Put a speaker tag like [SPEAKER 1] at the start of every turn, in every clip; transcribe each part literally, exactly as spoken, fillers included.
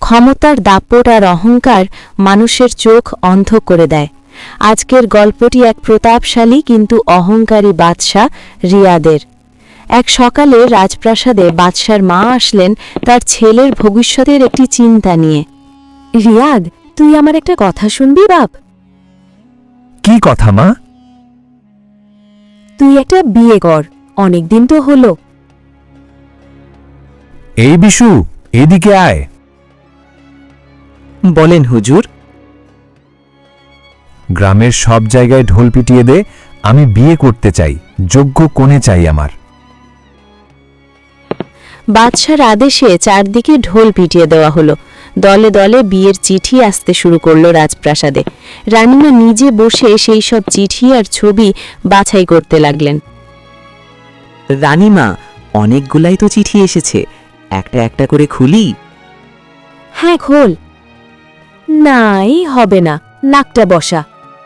[SPEAKER 1] ক্ষমতার দাপট আর অহংকার মানুষের চোখ অন্ধ করে দেয়। আজকের গল্পটি এক প্রতাপশালী কিন্তু অহংকারী বাদশাহ রিয়াদের। এক সকালে রাজপ্রাসাদে বাদশার মা আসলেন তার ছেলের ভবিষ্যতের একটি চিন্তা নিয়ে। রিয়াদ, তুই আমার একটা কথা শুনবি বাপ?
[SPEAKER 2] কি কথা মা?
[SPEAKER 1] তুই একটা বিয়ে কর, অনেকদিন তো হলো।
[SPEAKER 2] এই বিশু, এদিকে আয়।
[SPEAKER 3] বলেন হুজুর।
[SPEAKER 2] গ্রামের সব জায়গায় ঢোল পিটিয়ে দে, আমি বিয়ে করতে চাই, যোগ্য কনে চাই আমার।
[SPEAKER 1] বাদশার আদেশে চারদিকে ঢোল পিটিয়ে দেওয়া হলো। দলে দলে বিয়ের চিঠি আসতে শুরু করলো রাজপ্রাসাদে। রানীমা নিজে বসে সেই সব চিঠি আর ছবি বাছাই করতে লাগলেন।
[SPEAKER 3] রানীমা, অনেকগুলাই তো চিঠি এসেছে, একটা একটা করে খুলি।
[SPEAKER 1] হ্যাঁ, খোল। নাই, হবে না, নাকটা বসা।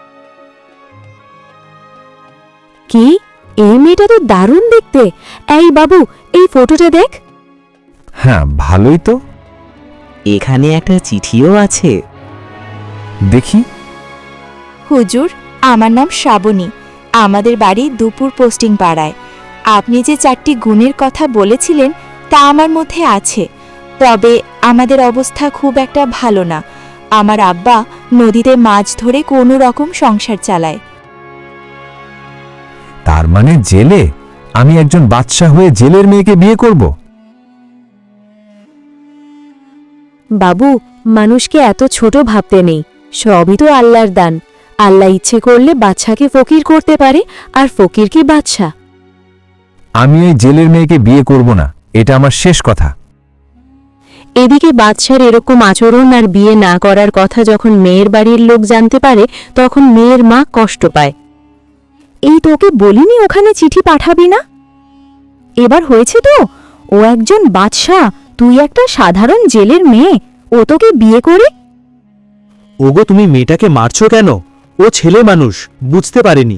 [SPEAKER 1] কি, এই মেয়েটা তো দারুণ দেখতে। এই বাবু, এই ফটোটা দেখ।
[SPEAKER 2] হ্যাঁ, ভালোই তো।
[SPEAKER 3] এখানে একটা চিঠিও আছে।
[SPEAKER 2] দেখি।
[SPEAKER 4] হুজুর, আমার নাম শ্রাবণী। আমাদের বাড়ি দুপুর পোস্টিং পাড়ায়। আপনি যে চারটি গুণের কথা বলেছিলেন তা আমার মধ্যে আছে, তবে আমাদের অবস্থা খুব একটা ভালো না। আমার আব্বা নদীতে মাছ ধরে কোনো রকম সংসার চালায়।
[SPEAKER 2] তার মানে জেলে? আমি একজন বাদশা হয়ে জেলের মেয়েকে বিয়ে করব?
[SPEAKER 1] বাবু, মানুষকে এত ছোট ভাবতে নেই। সবই তো আল্লাহর দান। আল্লাহ ইচ্ছে করলে বাদশাকে ফকির করতে পারে, আর ফকিরকে বাদশা।
[SPEAKER 2] আমি এই জেলের মেয়েকে বিয়ে করব না, এটা আমার শেষ কথা।
[SPEAKER 1] এদিকে বাদশার এরকম আচরণ আর বিয়ে না করার কথা যখন মেয়ের বাড়ির লোক জানতে পারে, তখন মেয়ের মা কষ্ট পায়। এই তোকে বলিনি ওখানে চিঠি পাঠাবি না? এবার হয়েছে তো, ও একজন বাদশাহ, তুই একটা সাধারণ জেলের মেয়ে, ও তোকে বিয়ে করে।
[SPEAKER 5] ওগো, তুমি মেয়েটাকে মারছো কেন? ও ছেলে মানুষ, বুঝতে পারেনি।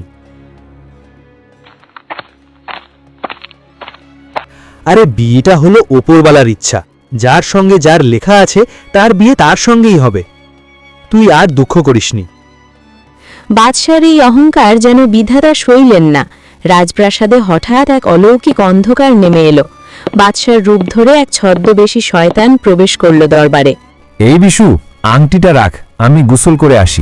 [SPEAKER 5] আরে বিয়েটা হলো ওপরওয়ালার ইচ্ছা, যার সঙ্গে যার লেখা আছে তার বিয়ে তার সঙ্গেই হবে। তুই আর দুঃখ করিসনি।
[SPEAKER 1] বাদশার এই অহংকার যেন বিধাতা সইলেন না। রাজপ্রাসাদে হঠাৎ এক অলৌকিক অন্ধকার নেমে এলো। বাদশার রূপ ধরে এক ছদ্মবেশী শয়তান প্রবেশ করল দরবারে।
[SPEAKER 2] এই বিশু, আংটিটা রাখ, আমি গোসল করে আসি।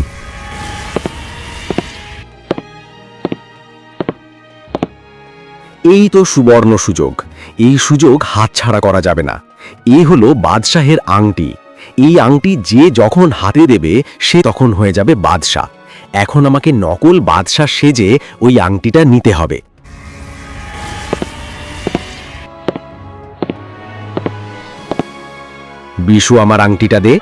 [SPEAKER 6] এই তো সুবর্ণ সুযোগ, এই সুযোগ হাতছাড়া করা যাবে না। এই হলো বাদশাহের আংটি। এই আংটি যে যখন হাতে দেবে সে তখন হয়ে যাবে বাদশাহ। এখন আমাকে নকল বাদশাহ সেজে ওই আংটিটা নিতে হবে। বিশু, আমার আংটিটা দে।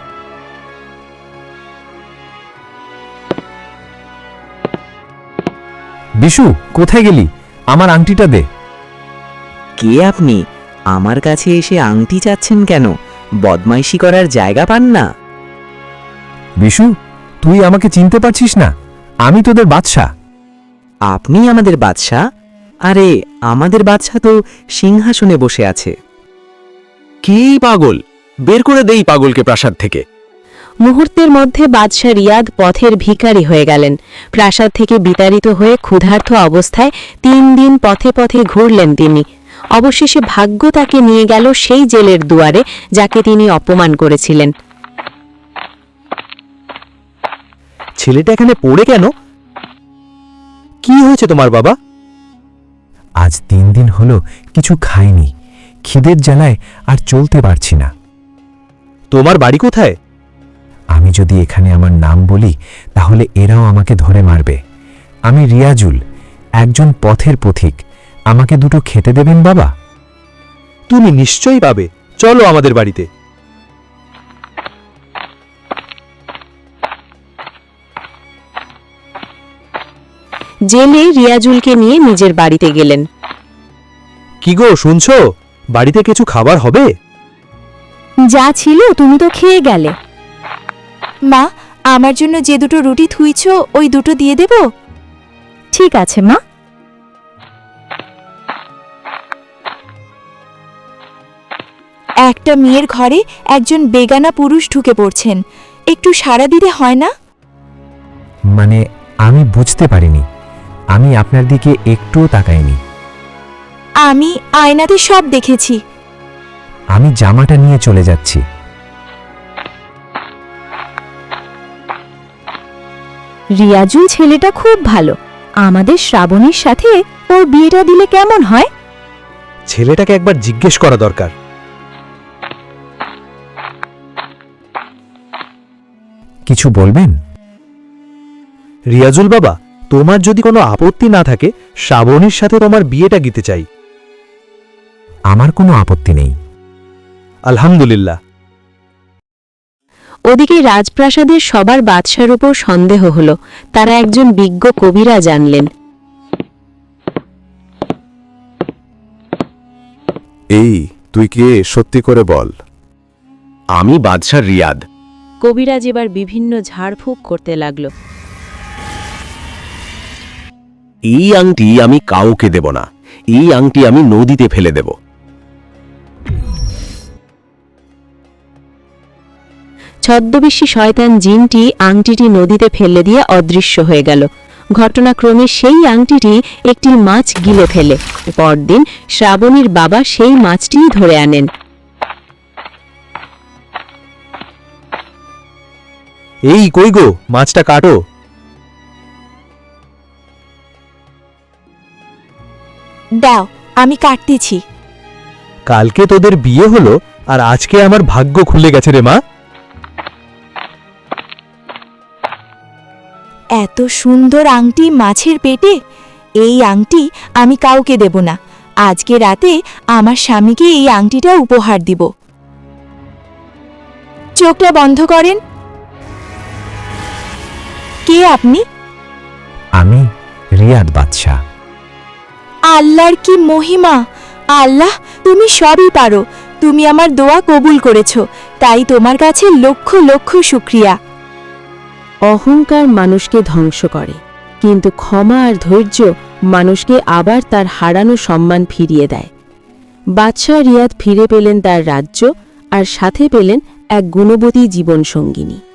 [SPEAKER 2] বিশু, কোথায় গেলি? আমার আংটিটা দে।
[SPEAKER 3] কে আপনি? আমার কাছে এসে আংটি চাচ্ছেন কেন? বদমাইশি করার জায়গা পান না?
[SPEAKER 2] বিশু, তুই আমাকে চিনতে পারছিস না? আমি তোদের বাদশা।
[SPEAKER 3] আপনি আমাদের বাদশাহ? আরে, আমাদের বাদশাহ তো সিংহাসনে বসে আছে।
[SPEAKER 6] কি পাগল, বের করে দেই পাগলকে প্রাসাদ থেকে।
[SPEAKER 1] মুহূর্তের মধ্যে বাদশাহ রিয়াদ পথের ভিখারি হয়ে গেলেন। প্রাসাদ থেকে বিতাড়িত হয়ে ক্ষুধার্ত অবস্থায় তিন দিন পথে পথে ঘুরলেন তিনি। অবশেষে ভাগ্য তাকে নিয়ে গেল সেই জেলের দুয়ারে যাকে তিনি অপমান করেছিলেন।
[SPEAKER 5] ছেলেটা এখানে পড়ে কেন? কি হয়েছে তোমার বাবা?
[SPEAKER 2] আজ তিন দিন হলো কিছু খাইনি, খিদের জ্বালায় আর চলতে পারছি না।
[SPEAKER 5] তোমার বাড়ি কোথায়?
[SPEAKER 2] আমি যদি এখানে আমার নাম বলি তাহলে এরাও আমাকে ধরে মারবে। আমি রিয়াজুল, একজন পথের পথিক। আমাকে দুটো খেতে দেবেন বাবা?
[SPEAKER 5] তুমি নিশ্চয়ই পাবে, চলো আমাদের বাড়িতে।
[SPEAKER 1] জেলে রিয়াজুলকে নিয়ে নিজের বাড়িতে গেলেন।
[SPEAKER 5] কি গো, শুনছো? বাড়িতে কিছু খাবার হবে?
[SPEAKER 1] যা ছিল তুমি তো খেয়ে গেলে।
[SPEAKER 4] মা, আমার জন্য যে দুটো রুটি থুইছ ওই দুটো দিয়ে দেব?
[SPEAKER 1] ঠিক আছে মা।
[SPEAKER 4] একটা মেয়ের ঘরে একজন বেগানা পুরুষ ঢুকে পড়ছেন, একটু সাড়া দিতে হয় না?
[SPEAKER 2] মানে আমি বুঝতে পারিনি, আমি আপনার দিকে একটুও তাকাইনি।
[SPEAKER 4] আমি আয়নাতে সব দেখেছি।
[SPEAKER 2] আমি জামাটা নিয়ে চলে যাচ্ছি।
[SPEAKER 1] রিয়াজুল ছেলেটা খুব ভালো, আমাদের শ্রাবণীর সাথে ওর বিয়েটা দিলে কেমন হয়?
[SPEAKER 5] ছেলেটাকে একবার জিজ্ঞেস করা দরকার।
[SPEAKER 2] কিছু বলবেন?
[SPEAKER 5] রিয়াজুল বাবা, তোমার যদি কোনো আপত্তি না থাকে, শ্রাবণীর সাথে তোমার বিয়েটা দিতে চাই।
[SPEAKER 2] আমার কোনো আপত্তি নেই।
[SPEAKER 5] আলহামদুলিল্লাহ।
[SPEAKER 1] ওদিকে রাজপ্রাসাদের সবার বাদশার উপর সন্দেহ হলো, তারা একজন বিজ্ঞ কবিরা জানলেন।
[SPEAKER 6] এই তুই কে, সত্যি করে বল। আমি বাদশাহ রিয়াদ।
[SPEAKER 1] কবিরাজ এবার বিভিন্ন ঝাড়ফুঁক করতে লাগলো।
[SPEAKER 6] এই আংটি আমি কাউকে দেব না, এই আংটি আমি নদীতে ফেলে দেব।
[SPEAKER 1] ছদ্মবেশী শয়তান জিনটি আংটিটি নদীতে ফেলে দিয়ে অদৃশ্য হয়ে গেল। ঘটনাক্রমে সেই আংটিটি একটি মাছ গিলে ফেলে। পরদিন শ্রাবণীর বাবা সেই মাছটিই ধরে আনেন।
[SPEAKER 5] এই কই গো, মাছটা কাটো।
[SPEAKER 4] দাও, আমি কাটতেছি।
[SPEAKER 5] কালকে তোদের বিয়ে হলো আর আজকে আমার ভাগ্য খুলে গেছে রে মা।
[SPEAKER 4] এত সুন্দর আংটি মাছের পেটে? এই আংটি আমি কাউকে দেব না। আজকে রাতে আমার স্বামীকে এই আংটিটা উপহার দিব। চোখটা বন্ধ করেন। কে আপনি?
[SPEAKER 2] আমি রিয়াদ বাদশাহ।
[SPEAKER 4] আল্লাহর কি মহিমা! আল্লাহ, তুমি সবই পারো। তুমি আমার দোয়া কবুল করেছ, তাই তোমার কাছে লক্ষ লক্ষ শুকরিয়া।
[SPEAKER 1] অহংকার মানুষকে ধ্বংস করে, কিন্তু ক্ষমা আর ধৈর্য মানুষকে আবার তার হারানো সম্মান ফিরিয়ে দেয়। বাদশাহ রিয়াদ ফিরে পেলেন তার রাজ্য, আর সাথে পেলেন এক গুণবতী জীবনসঙ্গিনী।